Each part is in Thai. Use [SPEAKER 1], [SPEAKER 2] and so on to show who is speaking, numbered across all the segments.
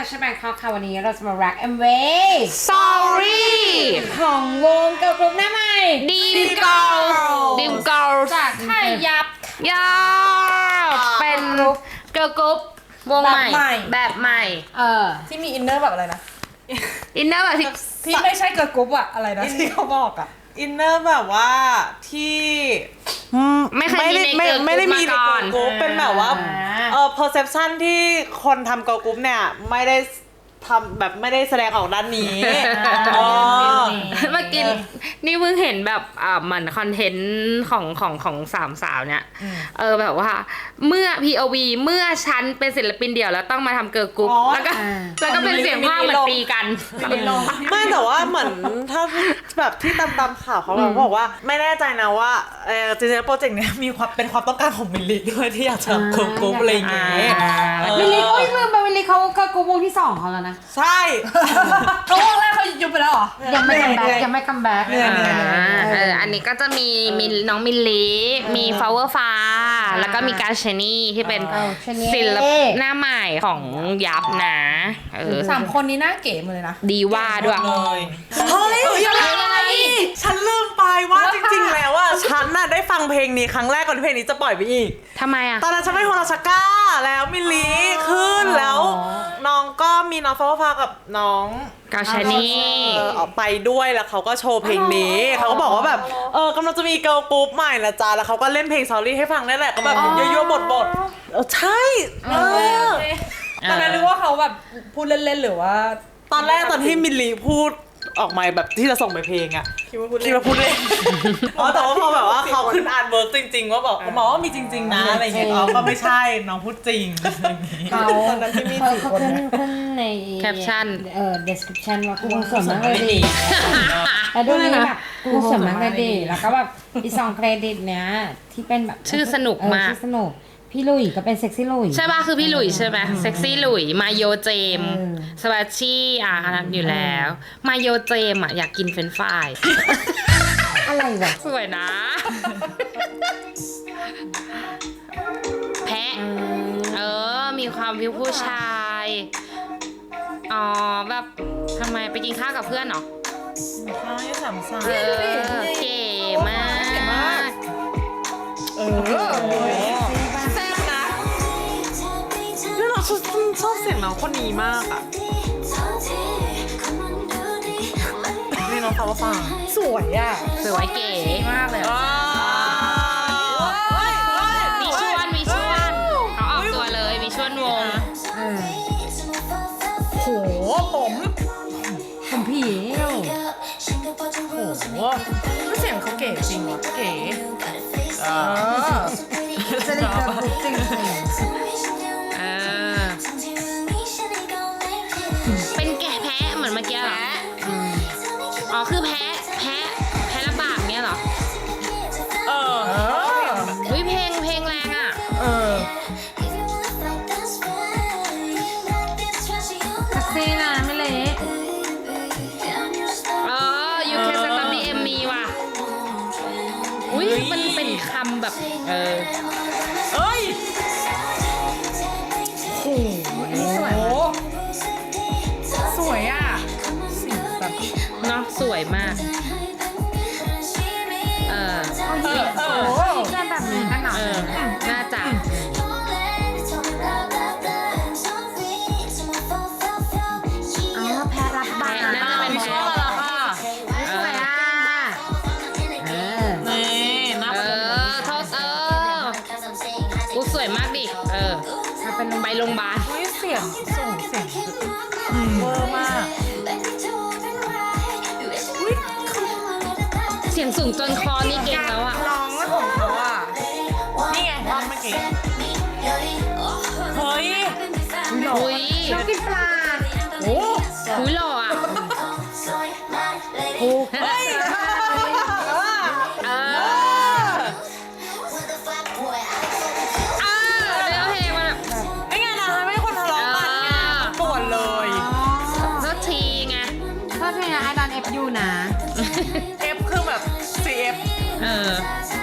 [SPEAKER 1] Fashion Bangkok ค่ะวันนี้เราจะมา React MV
[SPEAKER 2] Sorry
[SPEAKER 1] ของวงเกิร์ลกรุ๊ปหน้าใหม่
[SPEAKER 2] Dim Girl
[SPEAKER 1] จากค่ายยับ
[SPEAKER 2] ยาเป็นเกิร์ลกรุ๊ปวงใหม่แบบใหม่
[SPEAKER 3] ที่มีอินเนอร์แบบอะไรนะ
[SPEAKER 2] อินเนอร์แบบ
[SPEAKER 3] ที่ไม่ใช่เกิร์ลกรุ๊ปอะอะไรนะที่เขาบอกอะ
[SPEAKER 4] อินเนอร์แบบว่าที่
[SPEAKER 2] ไม่เคยมีในเกิร์ลกรุ๊ป
[SPEAKER 4] ไม่ได้มีใน
[SPEAKER 2] มา
[SPEAKER 4] เกิ
[SPEAKER 2] ก่อ
[SPEAKER 4] ร์
[SPEAKER 2] น
[SPEAKER 4] ลกรุ๊ปเป็นแบบว่าperception ที่คนทำเกิร์ลกรุ๊ปเนี่ยไม่ได้ทำแบบไม่ได้แสดงออกด้านนี้
[SPEAKER 2] เมื่อกี้นี่เพิ่งเห็นแบบเหมือนคอนเทนต์ของสามสาวเนี่ยแบบว่าเมื่อ POV เมื่อฉันเป็นศิลปินเดี่ยวแล้วต้องมาทำเกิร์ลกรุ๊ปแล้วก็เป็นเสียงภาคเหมือนตีกัน
[SPEAKER 4] ไม่แต่ว่าเหมือนถ้าแบบที่ตามข่าวเขาบอกว่าไม่แน่ใจนะว่าจริงๆโปรเจกต์เนี้ยมีความเป็นความต้องการของมิลลิด้วยที่อยากจะทำเกิร์ลกรุ๊ปอะไรอย่างเงี้ย
[SPEAKER 1] มิลลิโอ้ยลืมไปมิลลิเขาเกิร์ลกรุ๊ปวงที่2เขาแล้วนะ
[SPEAKER 4] ใช่
[SPEAKER 3] เขาวงแรกเขายุบไปแล้วเหรอ
[SPEAKER 1] ยังไม่คัมแบ็กยังไม่คัมแบ็ก
[SPEAKER 2] อันนี้ก็จะมีน้องมิลลีมีฟลาวเวอร์ฟ้าแล้วก็มีการเชนี่ที่เป็นศิลปินหน้าใหม่ของยับนะ
[SPEAKER 3] 3 คนนี้น่าเก๋หมดเลยนะ
[SPEAKER 2] ดีว่าด้วย
[SPEAKER 4] เลยเฮ้ยอะไรฉันลืมไปว่าจริงๆแล้วอะฉันน่ะได้ฟังเพลงนี้ครั้งแรกก่อนที่เพลงนี้จะปล่อยไปอีก
[SPEAKER 2] ทำไมอ่ะ
[SPEAKER 4] ตอนนั้นฉันไปโฮราชก้าแล้วมิลลีขึ้นแล้วน้องก็มีน้องฟ้าฟ้ากับน้อง
[SPEAKER 2] กาชานี่
[SPEAKER 4] ออกไปด้วยแล้วเขาก็โชว์เพลงนี้เขาก็บอกว่าแบบกำลังจะมีเกิร์ลกรุ๊ปใหม่นะจ๊ะแล้วเขาก็เล่นเพลง Sorry ให้ฟังนั่นแหละก็แบบยั่วๆบทใช่
[SPEAKER 3] ตอนนั้นนึกว่าเขาแบบพูดเล่นๆหรือว่า
[SPEAKER 4] ตอนแรกตอนที่มิลลีพูดออกมาแบบที่จะส่งไปเพลงอะคิดว่าพูดเล่นแต่ว่าพอแบบว่าเขาขึ้นอ่านเวิร์กจริงๆว่าบอกว่ามีจริงๆนะอะไรเงี้ยก็ไม่ใช่น้องพูดจริง
[SPEAKER 1] เขาขึ้นใน
[SPEAKER 2] Caption
[SPEAKER 1] description ว่ากูสวยมากเลยดิแล้วดูนี่แบบกูสวยมากเลยดิแล้วก็แบบอี2เครดิตเนี้ยที่เป็นแบบ
[SPEAKER 2] ชื่อสนุกมาก
[SPEAKER 1] ชื่อสนุกพี่ลุยก็เป็นเซ็กซี่ลุย
[SPEAKER 2] ใช่ป่ะคือพี่หลุยใช่ไหมเซ็กซี่หลุยมาโยเจมสวัชชี่อยู่แล้วมาโยเจมอยากกินเฟรนช์ฟราย
[SPEAKER 1] อะไรวะ
[SPEAKER 2] สวยนะ แพะมีความวิวผู้ชายแบบทำไมไปกินข้าวกับเพื่อนเหรอเก๋มาก
[SPEAKER 4] แซ่บนะแล้วเราชอบเสียงน้องคนนี้มากอะนี่น้องฟ้าฟ้า
[SPEAKER 3] สวยอ่ะ
[SPEAKER 2] สวยเก๋มากเลยมีชวนเขาออกตัวเลยมีชวนวง
[SPEAKER 3] โหผม
[SPEAKER 1] ผี
[SPEAKER 3] โหเสียงเขาเก๋จริงวะเก๋
[SPEAKER 1] จะได้เกิร์ลกรุ๊ปจริง
[SPEAKER 2] เป็นแกะแพะเหมือนเมื่อกี้เหรอคือแพะระบาดเนี้ยเหรอเพลงแรงอ่ะ
[SPEAKER 1] เซ็กซี่นะไม่เละ
[SPEAKER 2] ยูแคสตัมดีเอ็มมีว่ะมันเป็นคำแบบ
[SPEAKER 3] สวยอ่ะสีแบบ
[SPEAKER 2] เนาะสวยมาก
[SPEAKER 1] จะแบบนี้กันหน่อย
[SPEAKER 2] น่าจะ
[SPEAKER 1] แพ้รับบา
[SPEAKER 2] น่าจะเป็นแพะ
[SPEAKER 1] สวยอ่ะ
[SPEAKER 2] กูสวยมากดิไปโรงพยาบาล
[SPEAKER 3] เสียงส่งเสียงเวอร์มาก
[SPEAKER 2] เสียงสูงจนคอนี่เก่งแล้วอ่ะ
[SPEAKER 3] ร้องของเขาอ่ะนี่ไงร้องเมื่อกี้เฮ้ย
[SPEAKER 2] อุ้ย
[SPEAKER 1] ชอบกินปลา
[SPEAKER 2] อุ้ยหล่ออ่ะ
[SPEAKER 4] เฮ้ย
[SPEAKER 2] เนื้อเพลงมัน
[SPEAKER 4] ไม่ไงนะไม่คนทะเลาะกันไงปวดเลย
[SPEAKER 2] สักทีไง
[SPEAKER 1] ชอบเพลงไอดอนเอฟยูนะ
[SPEAKER 4] F คือแบบ CF
[SPEAKER 2] เ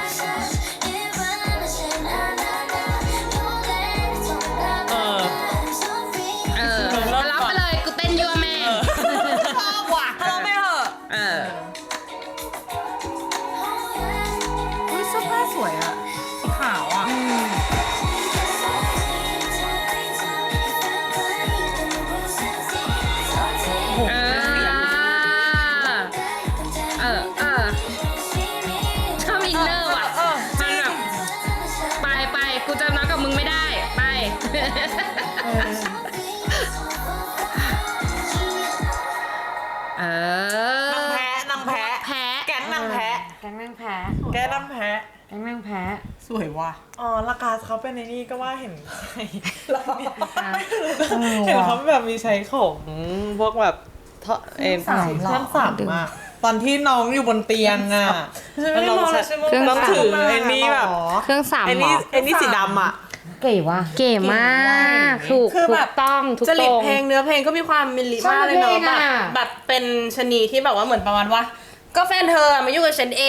[SPEAKER 4] นั่นแพ้
[SPEAKER 1] แก๊งนางแพ้
[SPEAKER 3] สวยว่ะ
[SPEAKER 4] อ๋อลากาสเขาเป็นในนี่ก็ว่าเห็นใช้เห็น
[SPEAKER 1] ว่ะ
[SPEAKER 4] เขาแบบมีใช้ของพวกแบบท่านสามอะตอนที่น้องอยู่บนเตียงอะแล้วน้องถือไอ้นี่แบบ
[SPEAKER 2] เครื่องสาม
[SPEAKER 4] ไอ้
[SPEAKER 2] หม
[SPEAKER 4] นี่
[SPEAKER 2] อ
[SPEAKER 4] ไอ้นี่สีดำอะ
[SPEAKER 1] เก๋ว่ะ
[SPEAKER 2] เก๋มากถูก
[SPEAKER 3] คือ
[SPEAKER 2] ถู
[SPEAKER 3] แบ
[SPEAKER 2] ก
[SPEAKER 3] บ
[SPEAKER 2] ต้องถูก
[SPEAKER 3] จริ
[SPEAKER 2] ต
[SPEAKER 3] ต
[SPEAKER 2] รง
[SPEAKER 3] เพลงเนื้อเพลงก็มีความมิลลิมากเลยเนาะ
[SPEAKER 1] ชอบเพลง
[SPEAKER 3] แบบ
[SPEAKER 1] อะ
[SPEAKER 3] แบบเป็นชะนีที่แบบว่าเหมือนประมาณว่า ก็แฟนเธอมายุ่งกับฉันเอง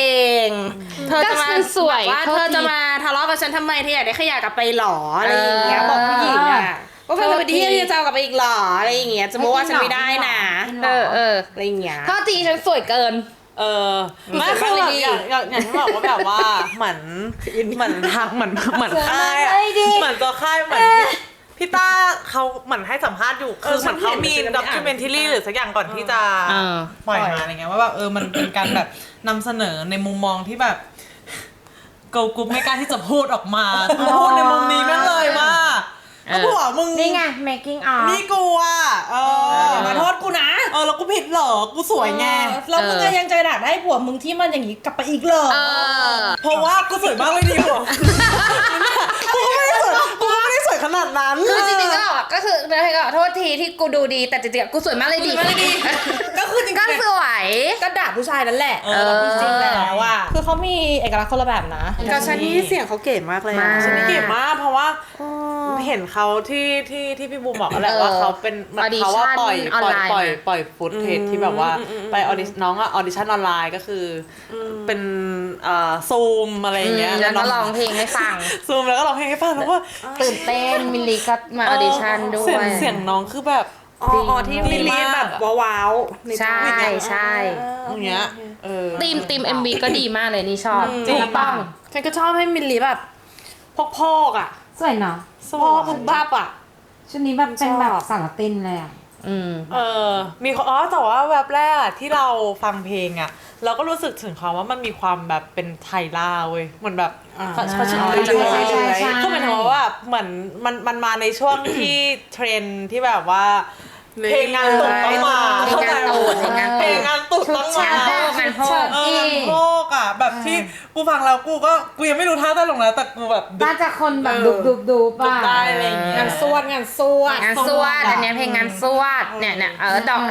[SPEAKER 3] เธอจะมา
[SPEAKER 2] ก็ฉันสวย
[SPEAKER 3] แบบว่า
[SPEAKER 2] โทษ
[SPEAKER 3] เธอจะ
[SPEAKER 2] ที
[SPEAKER 3] มาทะเลาะกับฉันทำไมเธออยากได้ขยะกลับไปหรออะไรอย่างเงี้ยบอกผู้หญิงอ่ะว่าแฟนเธอไปที่ที่จะเอากลับไปอีกหรออะไรอย่างเงี้ยจะบอกว่าฉันไม่ได้นะ
[SPEAKER 2] เออ
[SPEAKER 3] อะไรอย่างเงี้ย
[SPEAKER 2] โทษทีฉันสวยเกิน
[SPEAKER 4] ไม่คือแบบอย่างที่บอกว่าแบบว่าเหมือนทางเหมือนค่ายอะเหมือนตัวค่ายเหมือนพี่ต้าเขาเหมือนให้สัมภาษณ์อยู่คือเหมือนเขามีด็อกิเมนทัรี่หรือสักอย่างก่อนที่จะ ปล่อยมาอะไรเงี้ยว่าแบบมันเป็นการแบบนำเสนอในมุมมองที่แบบเกิร์ลกรุ๊ปไม่กล้าที่จะพูดออกมาพูดในมุมนี้แม่งเลยว่าก็ผัวมึง
[SPEAKER 1] นี่ไง making of
[SPEAKER 4] นี่กูอ่ะ
[SPEAKER 3] อย่ามาโทษกูนะ
[SPEAKER 4] แล้วกูผิดเหรอกูสวยไง
[SPEAKER 3] แล้วมึงก็ยังจะด่าได้ผัวมึงที่มันอย่างงี้กลับไปอีกเหรอ
[SPEAKER 4] เพราะว่ากูสวยมากเลยดีผัวกูก็ไม่ได้สวยขนาดนั้น
[SPEAKER 2] คือจริงๆก็คือเนื้อเพลงก็โทษทีที่กูดูดีแต่จริงๆกูสวยมากเลยดี
[SPEAKER 3] ก็คือจริง
[SPEAKER 2] ก็
[SPEAKER 3] ๆ
[SPEAKER 2] สวย
[SPEAKER 3] ก็ด่าผู้ชายนั่นแหละ
[SPEAKER 2] จริงๆ
[SPEAKER 3] แล้วว่าคือเขามีเอกลักษณ์คนละแบบนะ
[SPEAKER 4] กับชานี่เสียงเขาเก๋มากเลย
[SPEAKER 2] มาก
[SPEAKER 4] ชานี่เก๋มากเพราะว่าเห็นเขาที่พี่บูมบอกแหละว่าเขาเป็นเหมือนเขาว่าปล่อยฟุตเทจที่แบบว่าไปออดิน้องอะออดิชั่นออนไลน์ก็คือเป็นซูมอะไรอย่างเงี้ย
[SPEAKER 2] แล้วก็ร้องเพลงให้ฟัง
[SPEAKER 4] ซูมแล้วก็ร้องเพลงให้ฟังแล้วก็
[SPEAKER 2] ตื่นเต้นมิลลีก็มาออดิชั่นด้วย
[SPEAKER 4] เสียงน้องคือแบบ
[SPEAKER 3] อ๋อที่มิลลีแบบว้าวๆ
[SPEAKER 2] ใช่ใช่
[SPEAKER 4] อย่างเงี้ย
[SPEAKER 2] ทีม MV ก็ดีมากเลยนี่ชอบ
[SPEAKER 4] จริง
[SPEAKER 2] ถูกต้อง
[SPEAKER 3] ฉันก็ชอบให้มิลลีแบบพอกๆอ่ะ
[SPEAKER 1] สวยเนาะ
[SPEAKER 3] พอกบุบบับอ่ะ
[SPEAKER 1] ชุดนี้แบบเป็นแบบสารตินเลยอ่ะ
[SPEAKER 4] มีแต่ว่าแวบแรกอะที่เราฟังเพลงอะเราก็รู้สึกถึงความว่ามันมีความแบบเป็นไทยล่าเว้ยเหมือนแบบเขาชิมเรื่อยๆ
[SPEAKER 1] ใช่
[SPEAKER 4] ก็หมายถึงว่าเหมือนมันมาในช่วงที่เทรนด์ที่แบบว่าเพลงงานตุ่ต้องมา
[SPEAKER 2] เพลงงานตูดเพลงงานตูด
[SPEAKER 4] เพลงงานตุ่ต้องมา
[SPEAKER 2] งานโพก
[SPEAKER 4] งานโพกอะแบบที่กูฟังแล้วกูยังไม่รู้ท่าเต้นลงนะแต่กูแบบ
[SPEAKER 1] น่าจะคนแบบดูป่ะ
[SPEAKER 4] ได้อะไรอย่างเงี้ย
[SPEAKER 3] งานสวด
[SPEAKER 2] งานสวดอันเนี้ยเพลงงานสวดเนี่ยดอก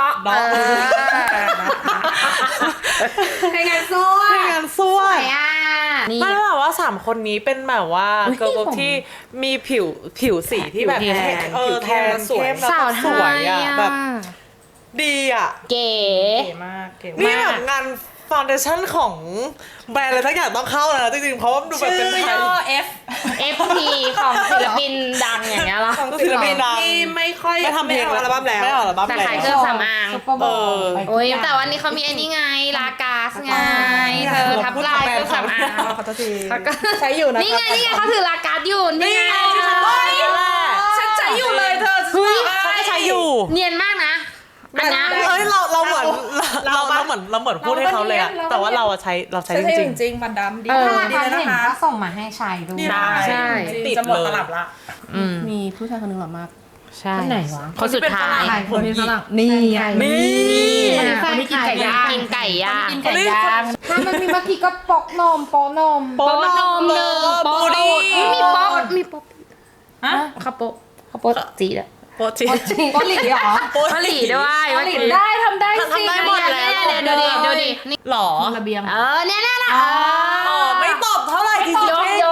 [SPEAKER 3] เพลงงานสวด
[SPEAKER 4] เพลงงานสวด
[SPEAKER 2] นี่
[SPEAKER 4] ไม่แบบว่า3คนนี้เป็นแบบว่าเกิร์ลกรุ๊ปที่มีผิวสีที่แบบ
[SPEAKER 2] ผิวแทน
[SPEAKER 4] แทนเข้มแล้ว
[SPEAKER 2] สาว
[SPEAKER 4] ก็
[SPEAKER 2] ไท
[SPEAKER 4] สวย
[SPEAKER 2] ย
[SPEAKER 4] อ่ะ
[SPEAKER 2] อะ
[SPEAKER 4] แบบดีอ่ะ
[SPEAKER 2] เก๋
[SPEAKER 3] เก๋มากเก๋
[SPEAKER 4] นี่
[SPEAKER 3] มาก
[SPEAKER 4] แบบงานฟาวเดชั่นของแบรนด์อะไรสักอย่างต้องเข้าแล้วนะจริงๆเพราะว่าดูแบบ
[SPEAKER 3] ชื่
[SPEAKER 4] เป็น
[SPEAKER 3] อ
[SPEAKER 4] ไท
[SPEAKER 3] ย่
[SPEAKER 4] ย
[SPEAKER 3] อ F
[SPEAKER 2] FP ของศิลปินดังอย่างเงี้ยเหรอ
[SPEAKER 3] ของ
[SPEAKER 4] ศิลปินดัง
[SPEAKER 3] ที่ไม่ค่อย
[SPEAKER 4] ไม่ทำเพลง
[SPEAKER 3] ออัลบั้มแล้ว
[SPEAKER 4] ไม่เอาอัลบั้ม
[SPEAKER 2] แต่
[SPEAKER 4] แล้
[SPEAKER 2] ขายว เครื่องสำอาง
[SPEAKER 1] ซุปเปอร์โบว์ไป
[SPEAKER 2] โอ้ยแต่วันนี้เขามีไอ้นี่ไงลากาสไงเธอทับลายเครื่องสำอาง
[SPEAKER 3] ขอโทษที
[SPEAKER 2] เขาก็
[SPEAKER 3] ใช้อยู่นะ
[SPEAKER 2] นี่ไงเขาถือลากาสอยู่นี่ไง
[SPEAKER 3] ฉันใช้อยู่เลยเธอ
[SPEAKER 2] เฮ้ย
[SPEAKER 4] ฉันก็ใช้อยู่
[SPEAKER 2] เนียนมากนะอันนี้
[SPEAKER 4] เอ้ยเราเหมือนพูดให้เขาเลยอะแต่ว่าเราใช้
[SPEAKER 3] ใช้
[SPEAKER 4] จ
[SPEAKER 3] จ
[SPEAKER 4] ริง
[SPEAKER 3] ริงๆมันดำดี
[SPEAKER 1] ถ้า
[SPEAKER 3] ดี
[SPEAKER 1] ราคา
[SPEAKER 3] เลย
[SPEAKER 1] เห็น
[SPEAKER 3] นะคะ
[SPEAKER 1] ก็ส่งมาให้ใช้ดู
[SPEAKER 3] ใช่
[SPEAKER 2] ใช่
[SPEAKER 3] จริงจะหมดตลับละ
[SPEAKER 2] มี
[SPEAKER 3] มีผู้ชายคนหนึงหล่อมาก
[SPEAKER 2] ใช่
[SPEAKER 1] คนไหนวะ
[SPEAKER 2] คนสุดท้าย
[SPEAKER 1] ใครคนนี้ฝรั่ง
[SPEAKER 3] นี่
[SPEAKER 1] นี่
[SPEAKER 2] แฟนกินไก่ย่างกินไก่ย่าง
[SPEAKER 3] ไก่ย่าง
[SPEAKER 1] ถ้ามันมีเมื่อกี้ก็ปกนม
[SPEAKER 2] โป๊ะนมหนึ่งโป๊ะตูดมีโป๊ะ
[SPEAKER 3] ฮะ
[SPEAKER 2] ข้าวโป๊ะข้าวโป๊ะจีดอะ
[SPEAKER 3] โปรจิง
[SPEAKER 1] เกาหลีเหรอ
[SPEAKER 2] เกาหลีด้วย
[SPEAKER 3] เกาหลีได้ทำได้สิ
[SPEAKER 2] ทำได้หมดแล้วดูดินี่
[SPEAKER 4] หรอ
[SPEAKER 3] ระเบียง
[SPEAKER 2] เนี่ยนะ
[SPEAKER 4] ไม่ตอบเท่าไหร่จริงๆ
[SPEAKER 2] ยก
[SPEAKER 3] โด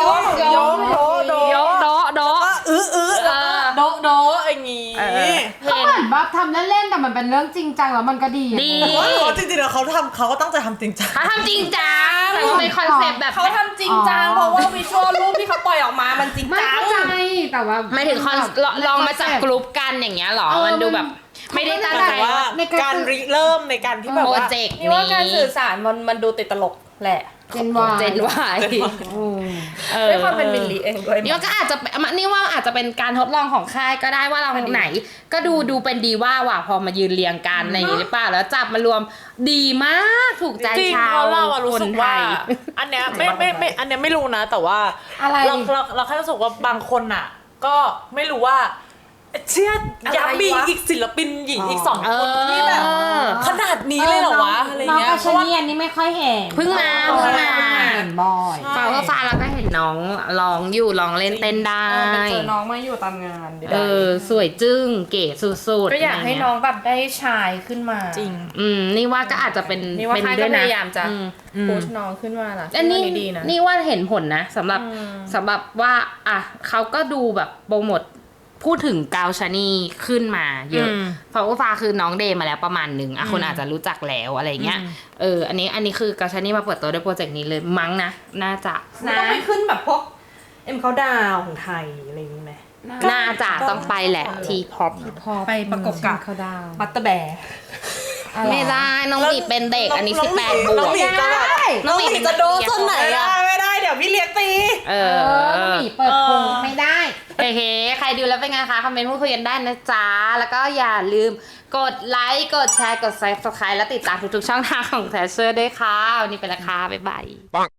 [SPEAKER 2] โด
[SPEAKER 3] โดอย่างงี้
[SPEAKER 1] ก็เหมือนแบบทำเล่นๆแต่มันเป็นเรื่องจริงจังแล้วมันก็ดี
[SPEAKER 2] ดี
[SPEAKER 4] เขาจริงๆแล้วเขาก็ตั้งใจทำจริงจัง
[SPEAKER 2] เขาทำจริงจังแต่ว่าเป็นคอนเซ็ปต์แบบ
[SPEAKER 3] เขาทำจริงจังเพราะว่าวิชวลรูปที่เขาปล่อยออกมามันจริง
[SPEAKER 1] ไม่
[SPEAKER 3] จัง
[SPEAKER 1] เข้าใจแต่ว่า
[SPEAKER 2] ไม่ถึงคอนลองมาจับกลุ่มกันอย่างเงี้ยหรอมันดูแบบไม่ได้ตั้งใจ
[SPEAKER 4] แต่ว่าการริเริ่มในการที่แบบ
[SPEAKER 2] โปร
[SPEAKER 4] ว่า
[SPEAKER 2] เจกต์
[SPEAKER 3] นี่ว่าการสื่อสารมันดูติดตลกแหละ
[SPEAKER 1] เจนวาย
[SPEAKER 2] เจนวาย
[SPEAKER 3] ด้วยความเป็นมิลลีเองด้วย
[SPEAKER 2] นี่ว่าก็อาจจะนี่ว่าอาจจะเป็นการทดลองของค่ายก็ได้ว่าเราไหน ก็ดูเป็นดีว่าว่ะพอมายืนเรียงกันอะไรอย่างงี้หรือเปล่าแล้วจับมารวมดีมากถูกใจ
[SPEAKER 4] จริง
[SPEAKER 2] ชาว
[SPEAKER 4] เพราะเราอะรู้
[SPEAKER 2] คน
[SPEAKER 4] สึก
[SPEAKER 2] ไท
[SPEAKER 4] ว่าย อันเนี้ยไม่อันเนี้ยไม่รู้นะ แต่ว่า
[SPEAKER 1] อะไร
[SPEAKER 4] เราแค่รู้สึกว่าบางคนอะก็ไม่รู้ว่าเชื่อยับมีอีกศิลปินหญิงอีก2 คนที่แบบขนาดนี้เลยเหรอวะอะไร
[SPEAKER 1] น้อง
[SPEAKER 4] เงี้ย
[SPEAKER 1] กาชนีอันนี้ไม่ค่อยเห็น
[SPEAKER 2] เพิ่งมา
[SPEAKER 1] เห็นบ่อย
[SPEAKER 2] ฟ้าก็ฟ้าแล้วก็เห็นน้องร้องอยู่ร้องเล่นเต้นได้
[SPEAKER 5] เจอน้องมาอยู่ตามงานเดี๋ยว
[SPEAKER 2] สวยจึ้งเก๋สุดๆ
[SPEAKER 5] ก็อยากให้น้องแบบได้ชายขึ้นมา
[SPEAKER 3] จริง
[SPEAKER 2] นี่ว่าก็อาจจะเป็น
[SPEAKER 5] นี่ว่า
[SPEAKER 2] เป็น
[SPEAKER 5] ค่าย
[SPEAKER 2] ด้
[SPEAKER 5] ก็
[SPEAKER 2] วย
[SPEAKER 5] พ
[SPEAKER 2] นะ
[SPEAKER 5] ยายามจะโพสต์น้องขึ้นมาล่ะ
[SPEAKER 2] อันนี้
[SPEAKER 5] ดีนะ
[SPEAKER 2] นี่ว่าเห็นผลนะสำหรับว่าอ่ะเขาก็ดูแบบโปรโมทพูดถึงกาวชานีขึ้นมาเยอะเพราะว่าฟ้าคือน้องเดย์มาแล้วประมาณหนึ่งอ่ะคนอาจจะรู้จักแล้วอะไรเงี้ยอันนี้คือกาวชานีมาเปิดตัวด้วยโปรเจกต์นี้เลยมั้งนะน่าจะ
[SPEAKER 5] มันต้องไปขึ้นแบบพวกเขาดาวของไทยอะไรอย่างนี้ไหม
[SPEAKER 2] น่าจะต้องไปแหละทีพ็อป
[SPEAKER 5] ไปประกบกับ
[SPEAKER 1] เขาดาว
[SPEAKER 5] บัตเตอร์แบร์
[SPEAKER 2] ไม่ได้น้องหมีเป็นเด็กอันนี้18 บว
[SPEAKER 4] น้อง
[SPEAKER 2] ก
[SPEAKER 4] หมีจะแบบ
[SPEAKER 2] น้องหมี
[SPEAKER 4] จะโดนส่วนไหนอะไม่ได้เดี๋ยวพี่เลี้ยงตี
[SPEAKER 1] น้องหมีเปิดโปงไม่ได้
[SPEAKER 2] โอเคใครดูแล้วเป็นไงคะคอมเมนต์พูดคุยกันได้นะจ๊ะแล้วก็อย่าลืมกดไลค์กดแชร์กด Subscribe และติดตามทุกๆช่องทางของแทชเชอร์ด้วยค่ะวันนี้ไปและค่ะบ๊ายบาย